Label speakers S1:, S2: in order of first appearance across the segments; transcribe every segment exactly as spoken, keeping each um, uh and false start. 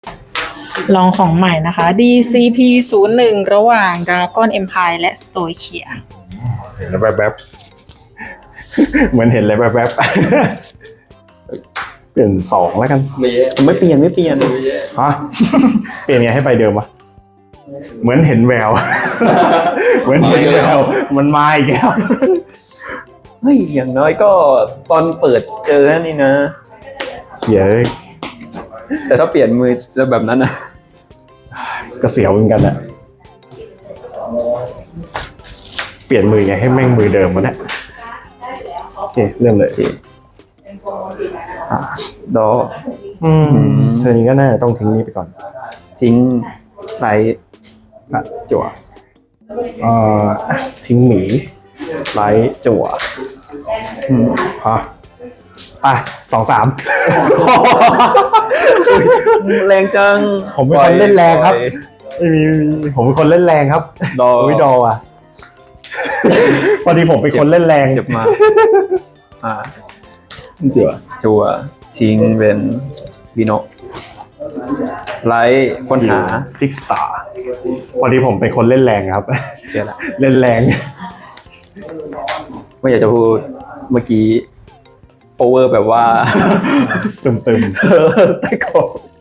S1: ลองของใหม่นะคะ ดี ซี พี ศูนย์ หนึ่ง ระหว่าง Dragon Empire และ Stoichia
S2: เห็นแล้วแป๊บๆ เหมือนเห็นเลยแป๊บๆ เปลี่ยนสองแล้วกัน
S3: ไม่เปลี่ยนไม่เปลี่ยน
S2: ฮะ เปลี่ยนไงให้ไปเดิมวะเหมือนเห็นแวว เหมือนเห็นแวว มันมาอีกแล้ว
S3: เฮ้ยอย่างน้อยก็ตอนเปิดเจอนี่นะ
S2: เขียเลย
S3: แต่ถ้าเปลี่ยนมือจะแบบนั้นนะ
S2: ก็เสียวเหมือนกันอะเปลี่ยนมือไงให้แม่งมือเดิมวะเนี่ยโอเคเริ่มเลย
S3: อ่ะดอ
S2: อืมเธอนี้ก็น่าจะต้องทิ้งนี้ไปก่อน
S3: ทิ้งไร
S2: อ่ะจั่วเอ่ออ่ะทิ้งหมีไลท์จั่วอืมฮะอ่ะสองสาม
S3: แรงจัง
S2: ผมเป็นคนเล่นแรงครับ ไม่มีไม่มีผมเป็นคนเล่นแรงครับ
S3: ดอ
S2: ไม่ดออ่ะ พอดีผมเป็นคนเล่นแรง
S3: เจ็บมากอ่า
S2: เจ๋อ
S3: จัวทิ้งเป็นบิโนไลท์ค้นหา
S2: ฟิกสตาร์พอดีผมเป็นคนเล่นแรงครับ
S3: เจอละ
S2: เล่นแรง
S3: ไม่อยากจะพูดเมื่อกี้โอเวอร์แบบว่า
S2: ตึมตึม
S3: แต่ก็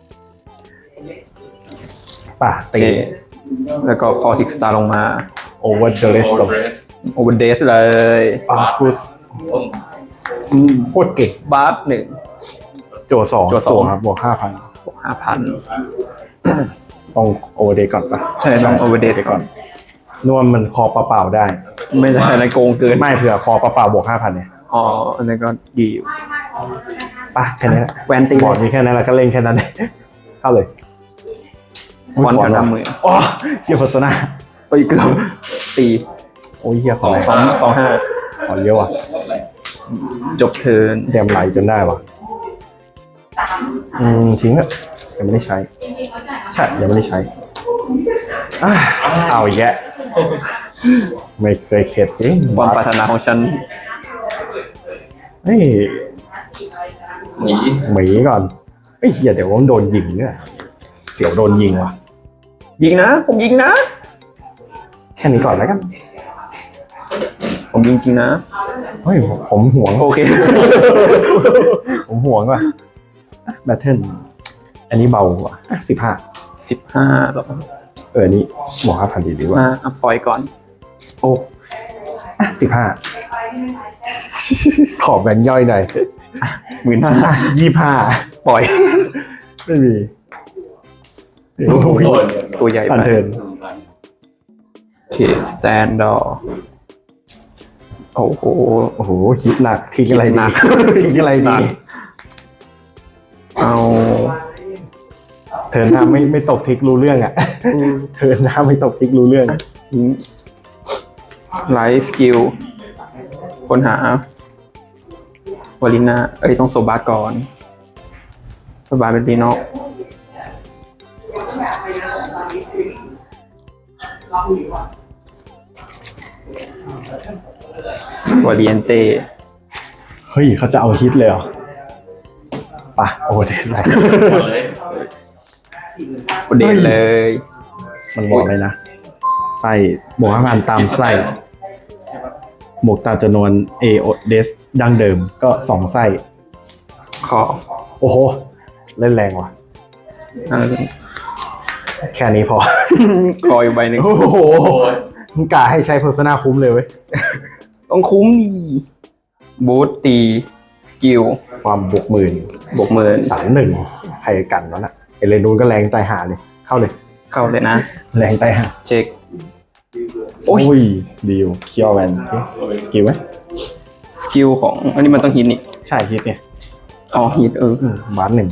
S2: ๆป่ะ
S3: โอ
S2: ตี
S3: เคแล้วก็คอทิกสตาร์ลงมา
S2: โอเวอร์เดอะเรสต์
S3: โอเวอร์เดสเลย
S2: ปากุสโคตรเก่ง
S3: บาร์หนึ่ง
S2: โจสอง
S3: จั่วสอง
S2: ครับบวกห้าพัน
S3: บวกห้าพัน
S2: ต้องโอเวอร์เดย์ก่อนป่ะ
S3: ใช่ต้อง overdate ก่อน
S2: นวมมันคอเปล่าๆได้
S3: ไม่ได้อะไรโกงเกิน
S2: ไม่เผื่อคอเปล่าๆบวกห้าพันเนี่ย
S3: อ๋ออันนั้นก็ดีอยู่
S2: ป่ะแค่นี้แหละ
S3: แวนตี
S2: บอร์ดมีแค่นั้นแหละก็เล่นแค่นั้น เข้าเลย
S3: ฟอนต์กัน
S2: ว่ะ
S3: น้ำมือ
S2: อ๋อเฮียโฆษณา
S3: เอ้ยเกือบตี
S2: โอ้ยเฮียขออะไร
S3: สองสองห้า
S2: ขอเยอะว่ะ
S3: จบเทิร์น
S2: แดมไหลจนได้ว่ะอืมทิ้งอะยังไม่ได้ใช้ ใช่ยังไม่ได้ใช้อ่ะเอาอีกแยะไม่เคยเข็ดจริง
S3: ความปรารถนาของฉัน
S2: เฮ้ย
S4: หนี
S2: หมีก่อนเฮ้ยอย่าเดี๋ยวว่ามันโดนยิงเนี่ยเสียวโดนยิงว่ะ
S3: ยิงนะ ผมยิงนะ
S2: แค่นี้ก่อนแล้วกัน
S3: ผมยิงจริงนะ
S2: เฮ้ยผมห่วง
S3: โอเค
S2: ผมห่วงว่ะแบทเทิลอันนี้เบากว่าสิบห้า
S3: สิบห้าหรอ
S2: เอออันนี้บวกห้าพันดีดีกว่า
S3: มาอัพปล่อยก่อน
S2: โอ้สิบห้าขอแบ่งย่อยหน่อย
S3: หมื่นห้า
S2: ยี่ห้า
S3: ปล่อย
S2: ไม่มี
S4: โดน
S3: ตัวใหญ่
S2: อัน
S3: ไป
S2: เทิร์น
S3: โอเคสแตนดอร์โอ้โห
S2: โอ้โหคิดหนักทิ้งอะไร
S3: คิดหนั
S2: ดี
S3: ก
S2: ทิ้งอะไรดี
S3: เอา
S2: เทิร์นหน้าไม่ไม่ตกทิกรู้เรื่องอ่ะเทิร์นหน้าไม่ตกทิกรู้เรื่อง
S3: ทิ้งไลท์สกิลค้นหาวาลิน่าเอ้ย ต้องโซบาสก่อนโซบาสเป็นบีโนวาเลียนเต้
S2: เฮ้ยเขาจะเอาฮิตเลยเหรอป่ะโอ้เด็ดเลย
S4: เลย
S3: เด่นเลย
S2: มันบอกเลยนะไส้บวกห้าพันตามไส้บวกตามจำนวนเอโอเดสดังเดิมก็สองไส้
S3: ขอ
S2: โอ้โห เล่นแรงว่ะ
S3: เอา
S2: แค่นี้พอ
S3: คออยู่ใบหนึ่ง
S2: โอ้โหมึงกะให้ใช้เพอร์ซนาคุ้มเลยเว้ย
S3: ต้องคุ้มดีบูตตีสกิล
S2: ความบวกหมื่น
S3: บวกหมื่น
S2: สามหนึ่งใครกันวะน่ะเอเลนูนก็แรงตายหาเลย เข้าเลย
S3: เข้าเลยนะ
S2: แรงตายหา
S3: เช็ค โอ้
S2: โอ้
S3: ย
S2: ยดีลเคียวแวนสกิลไหม
S3: สกิลของ อันนี้มันต้องฮิตนี่
S2: ใช่ฮิตเนี่ย
S3: อ๋อฮิตเออ
S2: อืมบาสหนึ่ง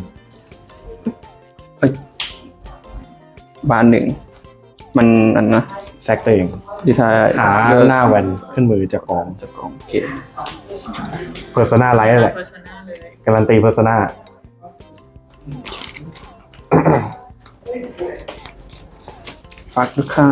S3: บานหนึ่ง มันอันนะ
S2: แซกตัวเอง
S3: ดีทาย
S2: หาหน้าแวนขึ้นมือจากกอง
S3: จากกองโอเค
S2: เพอร์ซนาไลท์แหละ
S1: Persona เลย
S2: การันตีเพอร์ซนา
S3: ฝากด้วยครับ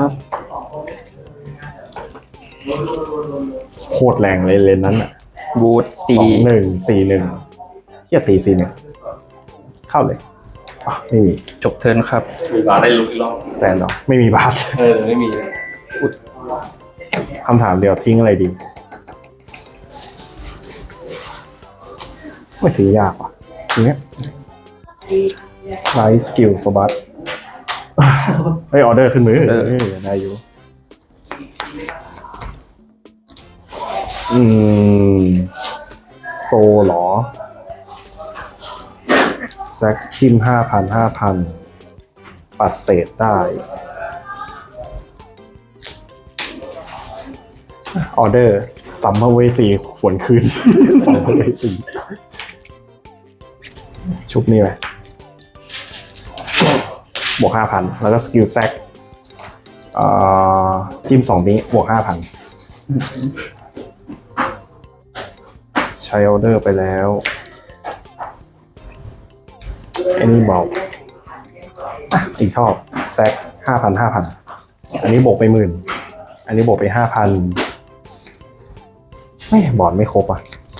S2: โคตรแรงเลยเลนนั้นอ่ะ
S3: บูตตี
S2: สองหนึ่งสี่หนึ่งเฮียตีสี่หนึ่งเข้าเลยอ่ะไม่มี
S3: จบเทิร์นครับ
S4: มีบาร์ได้ลุกอีกรอบ
S2: สแตนดอร์ไม่มีบาท
S4: เออไม่มี
S2: คำถามเดียวทิ้งอะไรดี ไม่ถือยากว่ะทีเนี้ยไลท์สกิลสบัตเฮ้ยออเดอร์ขึ้นมือเออได้อยู่ อืม โซเหรอแซกจิ้มห้าพันห้าพันปัดเศษได้ ออเดอร์สัมภเวสีฝวนคืน สัมภเวสีชุบนี่ไหมบวกห้าพันแล้วก็สกิลแซกจิ้มสองนี้บวกห้าพันใช้ออเดอร์ไปแล้วไอ้นี่เบาอ่ะอีกทอบแซกห้าพันห้าพันอันนี้บวกไปหมื่นอันนี้บวกไปห้าพันไม่บอร์ดไม่ครบอ่ะ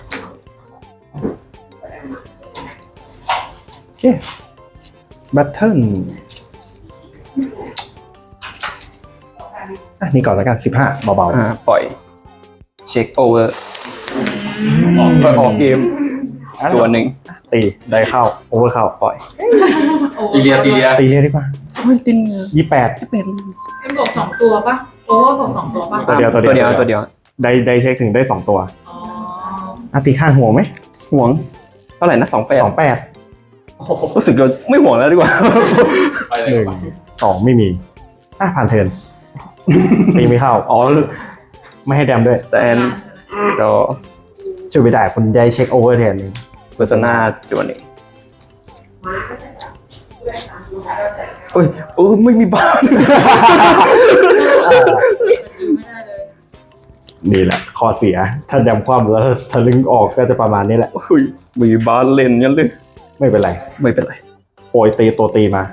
S2: โอเคแบทเทิลอ่ะนี่ก่อนแล้วกันสิบห้าเบา
S3: อ่า ปล่อย เช็คโอเวอร์
S2: ๆ
S3: ออกเกม ตัวหนึ่ง
S2: ตีได้เข้าโอเวอร์เข้า
S3: ปล่อย
S4: ตีเรียตีเรีย
S2: ตีเรียกดีกว่า
S3: เฮ้ยติน
S2: ยี่แปด
S3: เป็น
S1: เป็นบวกสองตัวปะโอเวอร์บวกสองตัวปะ
S2: ตัวเดียวตัวเดียว
S3: ตัวเดียวตัวเดียว
S2: ได้ได้เช็คถึงได้สองตัว
S1: อ๋อ
S2: อ่ะตีข้างห่วงไหม
S3: ห่วง เท่าไหร่นะสองแปด
S2: สองแปด
S3: รู้สึกเราไม่ห่วงแล้วดีกว่า
S4: ไปเล
S2: หนึ่
S4: ย
S2: งสองไม่มีอ่ะผ่านเทิร์นตีไม่เข้าอ๋อไม่ให้แดมด้วย
S3: แตนก็
S2: ช่วยไม่ได้คุณได้เช็คโอเวอร์แทนนึง
S3: เพอร์ซนาจวนหนึ่งเอ้ยเออไม่มีบ้าน
S1: ไม่ได้เลย
S2: นี่แหละข้อเสีย ถ้าแดมคว่ำแล้วทะลึงออกก็จะประมาณนี้แหละ
S3: เฮ้ยมีบ้านเล่นงั้นเลย
S2: ไม่เป็นไร
S3: ไม่เป็นไร
S2: โปรยตีตัวตีมา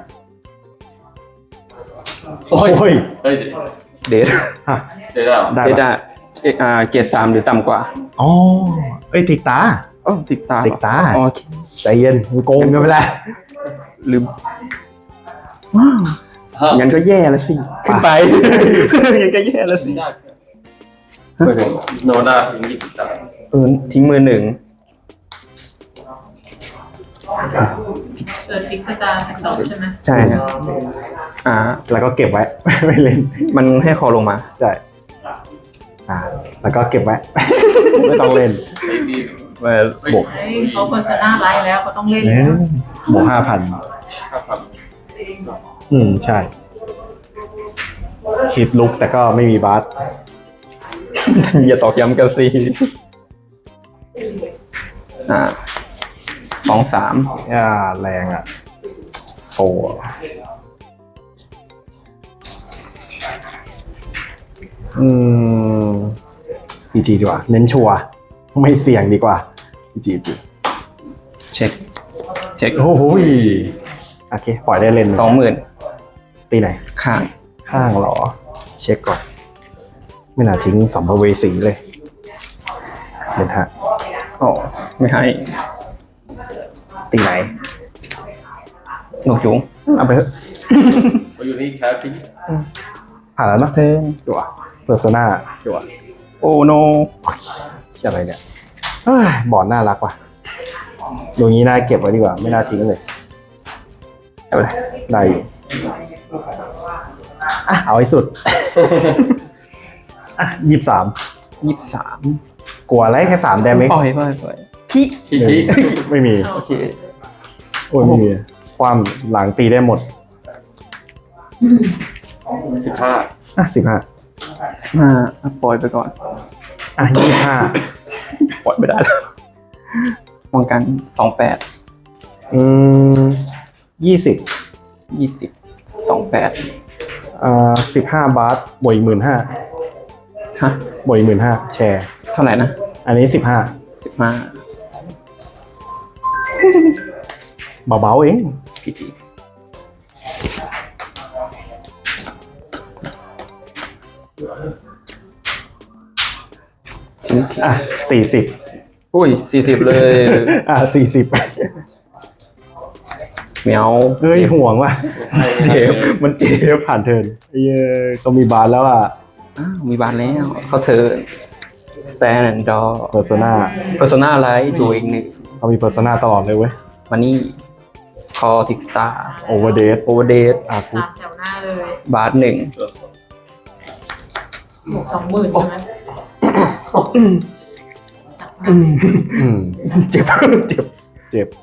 S4: โอ้ย
S2: โอ้ย
S4: เฮ้ย
S3: เดท
S2: ฮะ
S4: เดี๋ยวได้เหรอ
S2: ได้
S3: เด
S2: ปะ
S3: ทอะเอ่อเกรดสามหรือต่ำกว่า
S2: อ๋อเอ้ยติดตา
S3: อ๋อติดตาเหรอ
S2: ติดตา
S3: อ๋อโอเค
S2: ใจเย็นมึงโกงกันไปแล้ว
S3: ลืมว้าวงั้นก็แย่แล้วสิ ขึ้นไป งั้นก็แย่แล้วสิ
S4: ได้ไม่เป็นโนด้าถึงยี่สิบสาม
S3: เออทิ้งมือหนึ่ง
S1: เกิดฟิกสตาร์แท็กดอกใช่ไหม
S3: ใช่ครับอ่า
S2: แล้วก็เก็บไว้ ไม่เล่น
S3: มันให้คอลงมา
S2: ใช่อ่า แล้วก็เก็บไว้ ไม่ต้องเล่น
S4: ไอ้ดี
S3: เอ่อบ
S2: วก
S1: เฮ้ยเขาเพอร์ซนาไลท์แล้วเขาต้องเล่น
S2: เอ้
S1: แล้
S2: ยว บวกห้าพัน
S4: ห้าพัน
S2: อืม ใช่ฮิตลุกแต่ก็ไม่มีบาส
S3: อย่าตอกย้ำกันสิอ่าสองสาม
S2: อ่าแรงอ่ะ โซอ่ะอืมพีจีดีกว่า เน้นชัวร์ไม่เสี่ยงดีกว่าพีจีจี
S3: เช็ค เช็ค
S2: โอ้โหยโอเค ปล่อยได้เล่น
S3: สองหมื่น
S2: ตีไหน
S3: ข้าง
S2: ข้างเหรอ เช็คก่อน ไม่น่าทิ้งสัมภเวสีเลยเล่นฮะ
S3: อ๋อไม่ให้
S2: ตีไหน
S3: นกยุง
S2: เอาไปเถอะ
S4: ไปอยู่นี่แคปปี้
S2: ผ่านแล้วเนาะ
S3: เทิร์น
S2: จั่วเพอร์ซนาจั่ว
S3: โอ้โน
S2: อะไรเนี่ยเอ้ยบอร์ดน่ารักว่ะตรงนี้น่าเก็บไว้ดีกว่า ไม่น่าทิ้งเลยเอาไปเลยได้อยู่อ่ะ เอาให้สุด อ่ะยี่สิบสาม
S3: ยี่สิบสาม
S2: กลัวอะไรแค่สามแดมเอง
S3: ปล่อยปล่อยปล่อยพี่
S4: ชี้
S2: หนึ่
S4: ชี้
S2: งไม่มี
S3: โอเค
S2: โอ้ยไม่มี ความหลังตีได้หมด
S4: สิบห้า
S2: อ่ะสิบห้า
S3: มาอ่ะปล่อยไปก่อน
S2: อ่ะยี่ห้า
S3: ปล่อยไม่ได้แล้วป้องกันสองแปด
S2: อืมยี่สิบ
S3: ยี่สิบสองแปด
S2: อ่าสิบห้าบาทบวกอีกหมื่นห้า
S3: ฮะ
S2: บวกอีกหมื่นห้าแชร์
S3: เท่าไหร่นะ
S2: อันนี้สิบห้า
S3: สิบห้า
S2: เบาๆเอง
S3: พีจีทิ้งทิ้ง
S2: อ่ะสี่สิบ
S3: อุ้ยสี่สิบเลย
S2: อ่ะสี่สิบ
S3: เหมียว
S2: เฮ้ยห่วงว่ะ
S3: เจ็บมันเจ็บ
S2: เดี๋ยวผ่านเทิร์นไอ้เหี้ยก็มีบาร์แล้วอ่ะ
S3: อ้าวมีบานแล้วเขาเธอ stand and door
S2: เพอร์โซนา
S3: persona ไลท์ตัวเองหนึ่ง
S2: เขามีเพอร์โซนาตลอดเลยเว้ย
S3: มานี่ call tick star
S2: โอเวอร์เดท
S3: overdate
S2: อ่ะกู
S1: ตามแถวหน้าเลย
S3: บาทหนึ่ง
S1: บวกสองหมื่นใช่ไหม
S2: อืม
S3: เจ็บ เจ็บ
S2: เจ็บ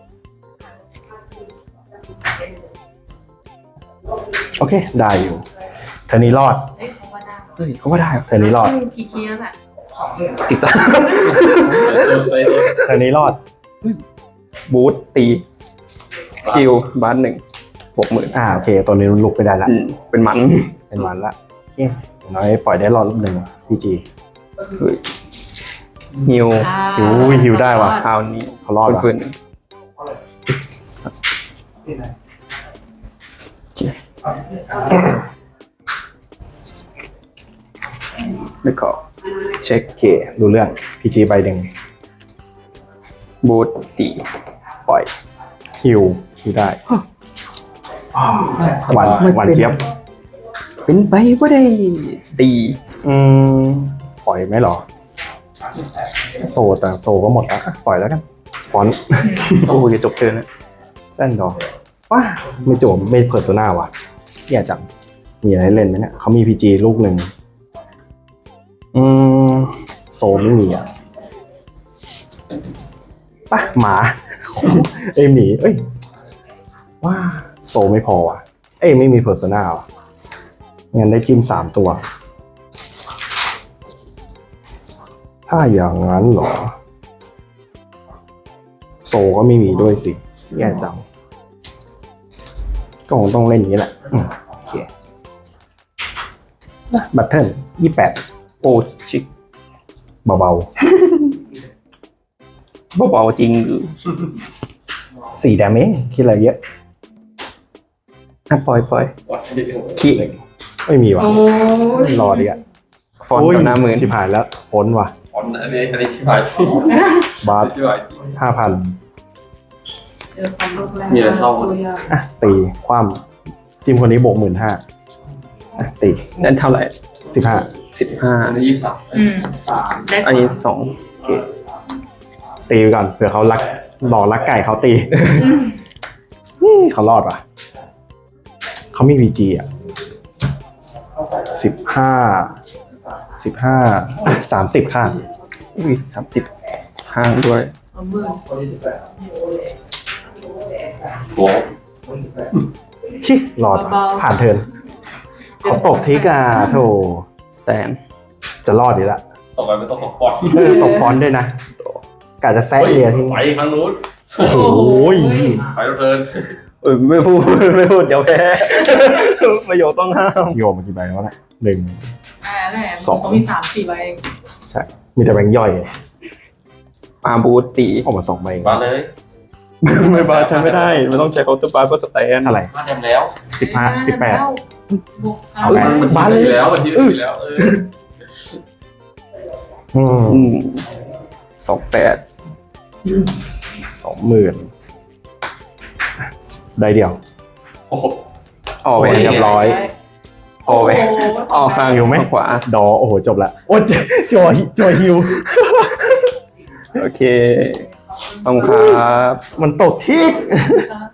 S2: โอเค ได้อยู่เทอร์นี้รอด
S1: เอ้ยเขาว่าได้
S3: เฮ้ยเขาว่าได้เหรอ
S2: เทอร์นี้รอด
S1: กี่คีย์แล้วแหละ
S3: ติดตา
S2: เทอร์นี้รอด
S3: บูทตี สกิลบาทหนึ่งหกหมื่น
S2: อ่าโอเค ตัวนี้ลุกไม่ได้ละ
S3: เป็นมัน
S2: เป็นวันละโอเคอย่างน้อยปล่อยได้รอดรอบหนึ่งพีจี
S3: เฮ้ยฮิว
S1: อ่า
S2: หิวหิวได้ว่ะ
S3: คราวนี้
S2: เขารอดว่ะ
S3: ฟื้นๆเจ็บแล้วก็เช็ค
S2: โอเคดูเรื่องพีจีใบหนึ่ง
S3: บูทตี
S2: ปล่อยหิวหิวได้อ้าวหวานหวานเจี๊ยบ
S3: เป็นไปว่าได้ตี
S2: อืมปล่อยไหมเหรอ โซแต่โซก็หมดแล้วอ่ะปล่อยแล้วกัน ฟอนต์
S3: โอ้ยจบเทิร์นแล้ว
S2: เส้นดอกว้าไม่จบไม่เพอร์โซนาว่ะแย่จังมีอะไรให้เล่นไหมเนี่ยเขามีพีจีลูกหนึ่งอืมโซไม่มีอ่ะป่ะหมา เอ้ยหมีเอ้ยว้าโซไม่พอว่ะ เอ้ยไม่มีเพอร์โซนาว่ะงั้นได้จิ้มสามตัว ถ้าอย่างนั้นเหรอ โซก็ไม่มีด้วยสิแย่จังก็คงต้องเล่นอย่างนี้แหละอืมโอเคนะบัตเทิลยี่แปด
S3: โอ้ชิค
S2: เบา
S3: เบาๆจริงหรือ
S2: ๆสี่แดมเองคิดอะไรเยอะ
S3: อ่ะปล่อยปล่อย
S4: วัดที่
S3: ขี้
S2: ไม่มีว่ะ
S1: โอ้ย
S2: รอดีอ่ะ
S3: ฟอนต์กับหน้าหมื่น
S2: ชิบหายแล้วพ้นว่ะ
S4: ฟอนต์อันนี้อันนี้ที่ผ่าน
S2: บาส
S4: ที่ผ่าน
S2: ห้าพัน
S1: เจอความลูกแรก
S4: มีอะไรเข้า
S1: ตัวอย่าง
S2: อ่ะ ตีความจิมคนนี้บวกหมื่นห้าอ่ะ ตี
S3: นั่นเท่าไหร่
S2: สิบห้า
S3: สิบห้า
S4: อันนี้ยี่สิบสาม
S1: อืมได้
S3: อันนี้สอง
S2: โอเค ตีไปก่อนเผื่อเขารักหลอกรักไก่เขาตี
S1: อืม
S2: นี่เขารอดว่ะ เขามี พี จี อ่ะสิบห้า สิบห้า สามสิบค่ะ
S3: อุ้ยสามสิบห้างด้วย
S1: เอามือ
S4: โอ้
S2: ชิรอดว่ะผ่านเทิร์นเขาตกทิกอ่ะโถ
S3: สแตน
S2: จะรอดดีละ
S4: ต่อไปไม่ต้องของฟอนต์
S2: เออตกฟอนต์ด้วยนะกะจะแซะเรียทิ้ง
S4: ไปครั้งนู้น
S2: โอ้โห
S4: ไปแล้วเทิร์น
S3: เออไม่พูด ไม่พูดเดี๋ยวแพ้ ประโยชน์ต้องห้าม
S2: โยมมากี่ใบแล้วแหละหนึ่ง
S1: อ่าแหละ
S2: สอง
S1: เขามีสามสี่ใบเอง
S2: ใช่ มีแต่แบงค์ย่อย
S3: อาบูตตี
S2: ออกมาสองใบ
S4: มาเลย
S3: ไม่บาใช้ไม่ได้ มันต้องใช้เคาน์เตอร์บาร์เพื่อสแตน
S2: อะไร
S4: มาเต็มแล้ว
S2: สิบห้าสิบแปด
S1: บวก
S2: เอาไป
S4: มันบ้านเลยแล้ววันที่ได้แล้วเออ
S2: อืม
S3: อืมสองแปด
S2: สองหมื่นได้เดียว
S4: โอ้โห
S3: ออกไป
S2: โอ้ย เรียบร้อย
S3: ออกไปออกข้าง
S2: อยู่ไหม
S3: ขวา
S2: ดอโอ้โห จบละ โอ้ยจอยจอยฮิว
S3: โอเคขอบคุณครับ
S2: มันตกทิก
S1: ครับ